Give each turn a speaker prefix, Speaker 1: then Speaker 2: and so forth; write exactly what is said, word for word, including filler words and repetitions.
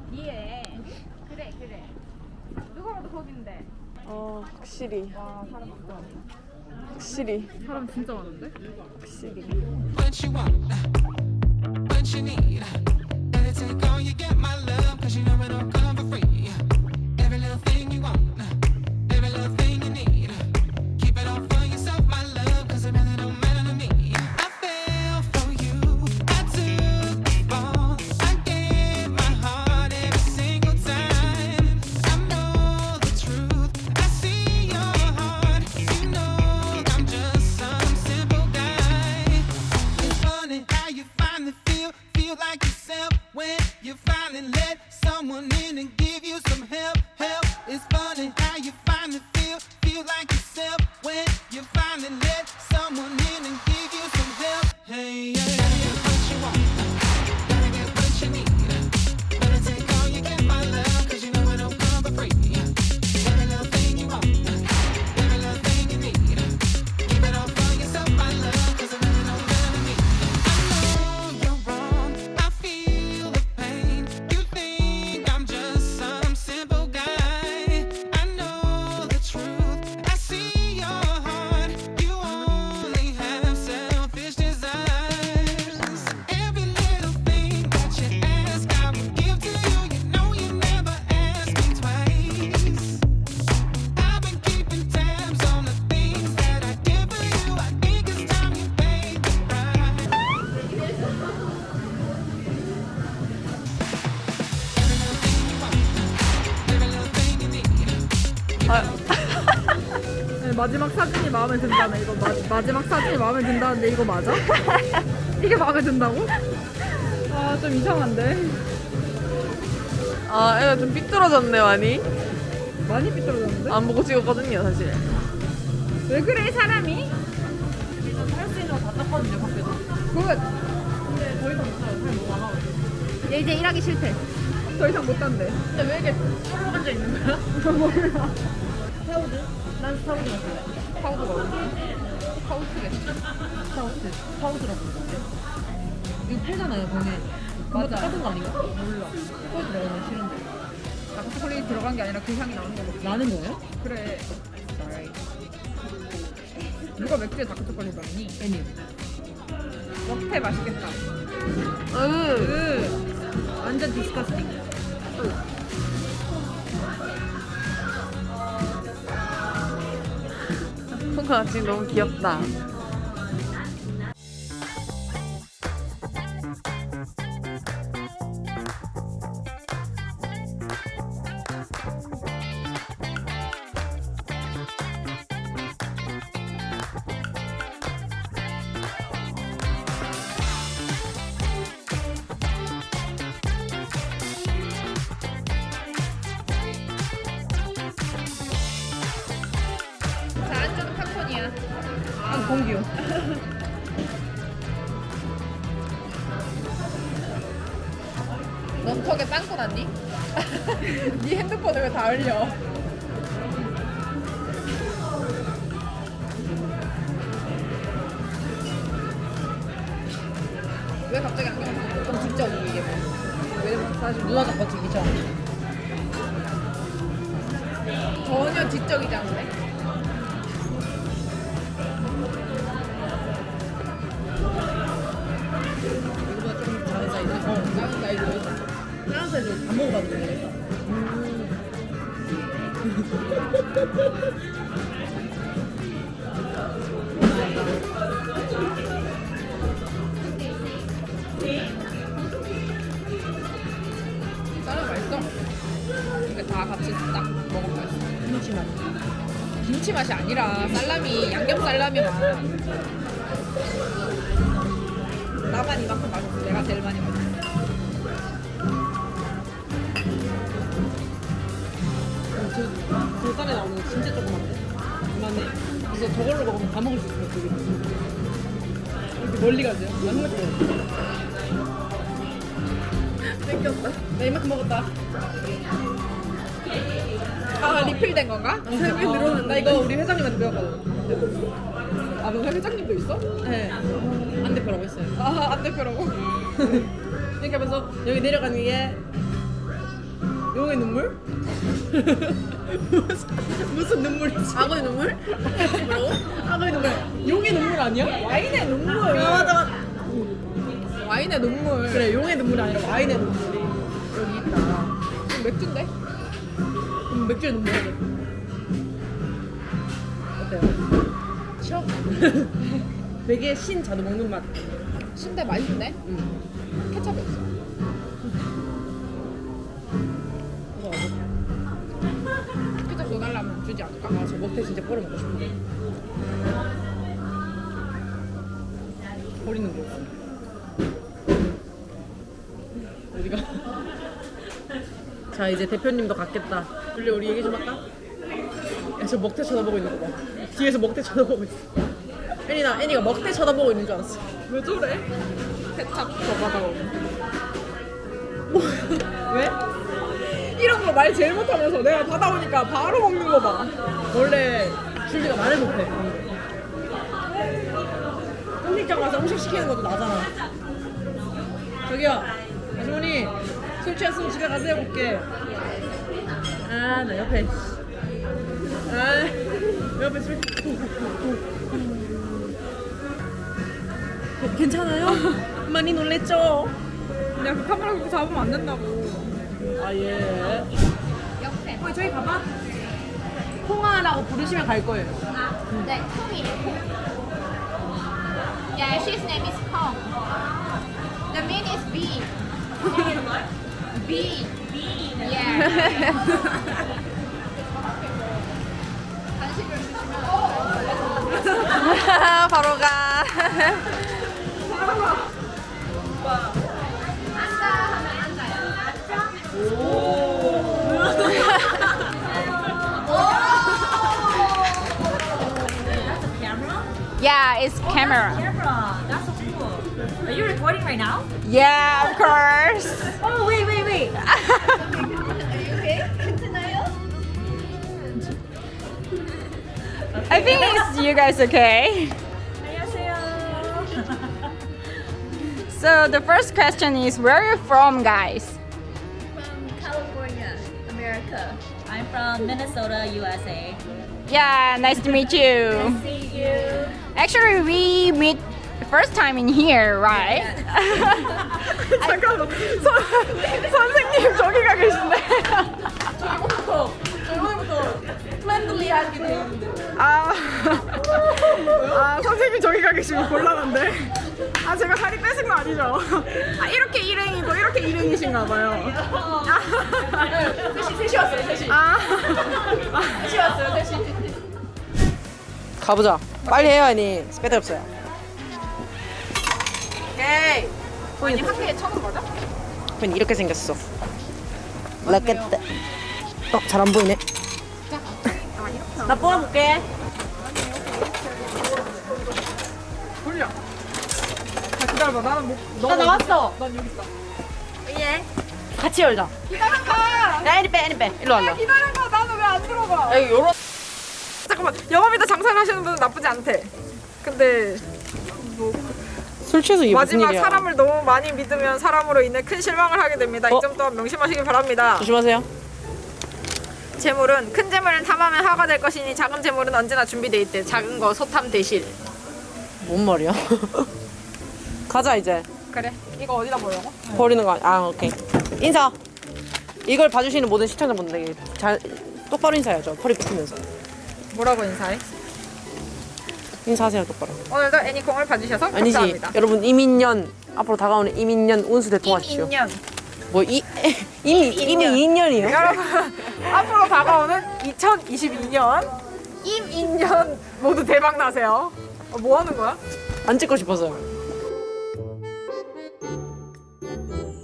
Speaker 1: 뒤에. 그래 그래. 누가 봐도 거긴데.
Speaker 2: 어 확실히
Speaker 1: 와 사람 진짜 많네.
Speaker 2: 확실히
Speaker 1: 사람 진짜 많은데?
Speaker 2: 확실히.
Speaker 3: What you want, what you need. Gotta take all you get, my love, cause you know it don't come for free. Every little thing you want, every little thing you need. Keep it all for yourself, my love, cause it really don't matter to me. I fell for you, I took the fall. I gave my heart every single time. I know the truth, I see your heart. You know I'm just some simple guy. It's funny how you finally feel, feel like yourself when you finally let someone in and give you some help, help. It's funny how you finally feel, feel like yourself when you finally let someone in and give you some help. Hey, yeah, gotta get what you want, gotta get what you need. Better take all you get, my love, cause you know it don't come for free. Every little thing you want, every little thing you need. Keep it all for yourself, my love, cause it really don't matter to me. I know you're wrong, I feel the pain. You think I'm just some simple guy. I know the truth, I see your heart. You only have selfish desires. Every little thing that you ask, I will give to you. You know you never ask me twice. I've been keeping tabs on the things that I give for you. I think it's time you paid the price. Every little thing you need.
Speaker 1: 네, 마지막 사진이 마음에 든다네. 이거 마, 마지막 사진이 마음에 든다는데 이거 맞아? 이게 마음에 든다고? 아 좀 이상한데.
Speaker 2: 아 애가 좀 삐뚤어졌네 많이.
Speaker 1: 많이 삐뚤어졌는데?
Speaker 2: 안 보고 찍었거든요 사실.
Speaker 1: 왜 그래 사람이?
Speaker 2: 할 수 있는 거 다 떴거든요 밖에서.
Speaker 1: 굿.
Speaker 2: 근데 더 이상 못해요. 사람 너무 많아가지고.
Speaker 1: 얘 이제 일하기 싫대. 더 이상 못 한대.
Speaker 2: 근데 왜 이렇게 쫄로 앉아 있는 거야?
Speaker 1: 몰라.
Speaker 2: 스타우드? 난 스타우드 마실래.
Speaker 1: 파우드 먹어. 파우드래.
Speaker 2: 스타우드. 스타우드라고 그러는데. 이거 팔잖아요 병에.
Speaker 1: 맞아.
Speaker 2: 똑같은 거 아닌가? 몰라. 스타우드 내가 싫은데.
Speaker 1: 다크 초콜릿 들어간 게 아니라 그 향이 나는 거고.
Speaker 2: 나는 거예요?
Speaker 1: 그래. 누가 맥주에 다크 초콜릿 넣니?
Speaker 2: 애니.
Speaker 1: 먹태 맛있겠다.
Speaker 2: 으.
Speaker 1: 으. 완전 디스커스팅.
Speaker 2: 손가 지금 너무 귀엽다.
Speaker 1: 자, 안주는 팝콘이야.
Speaker 2: 아, 공기요.
Speaker 1: 넌 턱에 빵꾸 났니? 네 핸드폰을 왜 다 흘려? 왜 갑자기 안경 쓰는 좀 직접이 이게 뭐. 왜냐면 사실
Speaker 2: 누나가 버티기죠.
Speaker 1: 전혀 지적이지 않네.
Speaker 2: 이거보다 좀 작은 사이즈. 어, 작은 사이즈. 작은 사이즈 다 먹어봐도 되겠다.
Speaker 1: 쌀은 맛있어. 이게 다 같이 딱 먹으면 맛있어.
Speaker 2: 김치 맛.
Speaker 1: 김치 맛이 아니라 살라미, 양념 살라미 맛. 나만 이만큼 맛있어. 내가 제일 많이 먹어.
Speaker 2: 저, 저 쌀에 나오는 거 진짜 조그만데? 이만해. 그래서 저걸로 먹으면 다 먹을 수 있어요, 되게. 이렇게 멀리 가세요. 안 먹을
Speaker 1: 땡겼다. 나 이만큼 먹었다. 아 리필된 건가?
Speaker 2: 세 배 늘어났네.
Speaker 1: 나 이거 우리 회장님한테 배웠거든. 아, 너 회장님도 있어?
Speaker 2: 네. 안 대표라고 했어요.
Speaker 1: 아, 안 대표라고?
Speaker 2: 이렇게 하면서 여기 내려가는 게 용의 눈물? 무슨, 무슨 눈물이지?
Speaker 1: 악어의 눈물? 뭐라고?
Speaker 2: 악어의 눈물. 용의 눈물 아니야?
Speaker 1: 와인의 눈물.
Speaker 2: 아 맞아.
Speaker 1: 와인의 눈물.
Speaker 2: 그래 용의 눈물이 아니라 와인의 눈물이 여기 있다.
Speaker 1: 이거 맥주인데?
Speaker 2: 음, 맥주의 눈물. 어때요? 시원? 되게 신 자두 먹는 맛.
Speaker 1: 신데 맛있네.
Speaker 2: 음.
Speaker 1: 케첩이 없어.
Speaker 2: 이거 어때?
Speaker 1: 케첩 넣어달라면 주지 않을까?
Speaker 2: 아, 저 먹태 진짜 버려 먹고 싶은데. 버리는 거 없어. 어디가? 자, 이제 대표님도 갔겠다. 원래 우리 얘기 좀 할까? 야, 저 먹태 쳐다보고 있는 거 봐. 뒤에서 먹태 쳐다보고 있어. 애니나, 애니가 먹태 쳐다보고 있는 줄 알았어.
Speaker 1: 왜 저래? 케첩 더 받아오고.
Speaker 2: 뭐, 왜?
Speaker 1: 이런 거 말 제일 못하면서 내가 받아오니까 바로 먹는 거 봐.
Speaker 2: 원래 줄리가 말을 못해. 음식점 가서 음식 시키는 것도 나잖아. 저기요, 아주머니 술 취했으면 집에 가세요. 볼게. 아, 나 옆에. 아, 옆에 술. 괜찮아요? 많이 놀랬죠?
Speaker 1: 내가 그 카메라 그렇게 잡으면 안 된다고.
Speaker 2: 아 예.
Speaker 4: 옆에.
Speaker 2: 어, 저희 가봐. 콩아라고 부르시면 갈 거예요.
Speaker 4: 아, 네, 콩이에요. Yeah, his name is Kong. The mean is B. B. B. Yeah. 간식을 주시면
Speaker 1: 바로 가.
Speaker 4: 앉아 하면 앉아요.
Speaker 5: Yeah, it's camera.
Speaker 6: Camera. That's so cool. Are you recording right now?
Speaker 5: Yeah, of course.
Speaker 6: Oh, wait, wait, wait.
Speaker 4: Are you okay? 괜찮아요?
Speaker 5: I think it's you guys okay.
Speaker 6: 안녕하세요.
Speaker 5: So the first question is, where are you from, guys?
Speaker 4: From California, America.
Speaker 6: I'm from Minnesota, U S A.
Speaker 5: Yeah, nice to meet you.
Speaker 6: See you.
Speaker 5: Actually, we meet first time in here, right?
Speaker 1: 잠깐만. 선, 선생님 저기 가 계신데.
Speaker 2: 저번부터 저번부터 플랜들리하게 돼 있는데.
Speaker 1: 아, 아 선생님 저기 가 계시면 곤란한데. 아 제가 다리 뺏은 거 아니죠? 아 이렇게 일행이고 이렇게 일행이신가 봐요.
Speaker 2: 셋이 셋이 왔어요. 셋이.
Speaker 1: 아,
Speaker 2: 셋이 왔어요. 셋이. 가보자. 빨리 해요, 아니. 스페드 없어요. 오케이.
Speaker 1: 아니 학교에 처음 맞아?
Speaker 2: 그냥 이렇게 생겼어. 라켓. 어, 잘 안 보이네. 나 뽑아볼게.
Speaker 1: 돌려. 자 기다려봐. 나는 못.
Speaker 2: 나 나왔어.
Speaker 1: 난 여기 있어.
Speaker 2: 예. 같이 열자.
Speaker 1: 기다려봐.
Speaker 2: 야, 애니 빼, 애니 빼. 일로 와라.
Speaker 1: 기다려봐. 나는 왜 안 들어가?
Speaker 2: 여기 요런.
Speaker 1: 잠깐만. 영업이다 장사를 하시는 분은 나쁘지 않대. 근데
Speaker 2: 술 취해서 이게 무슨
Speaker 1: 마지막
Speaker 2: 일이야.
Speaker 1: 사람을 너무 많이 믿으면 사람으로 인해 큰 실망을 하게 됩니다.
Speaker 2: 어?
Speaker 1: 이 점 또한 명심하시기 바랍니다.
Speaker 2: 조심하세요.
Speaker 1: 재물은 큰 재물은 탐하면 화가 될 것이니 작은 재물은 언제나 준비돼 있대. 작은 거 소탐 대실.
Speaker 2: 뭔 말이야? 가자 이제.
Speaker 1: 그래. 이거 어디다 보려고?
Speaker 2: 버리는 거 아니- 아 오케이. 인사. 이걸 봐주시는 모든 시청자분들에게 잘 똑바로 인사해야죠. 허리 굽히면서.
Speaker 1: 뭐라고 인사해?
Speaker 2: 인사하세요 똑바로.
Speaker 1: 오늘도 애니콩을 봐주셔서
Speaker 2: 아니지.
Speaker 1: 감사합니다.
Speaker 2: 여러분 이민년 앞으로 다가오는 이민년 운수 대통하십시오.
Speaker 1: 임인년.
Speaker 2: 뭐 이 이미 이미 이 년이요?
Speaker 1: 여러분 앞으로 다가오는 이천이십이 년 임인년 모두 대박 나세요. 어, 뭐 하는 거야?
Speaker 2: 안 찍고 싶어서요.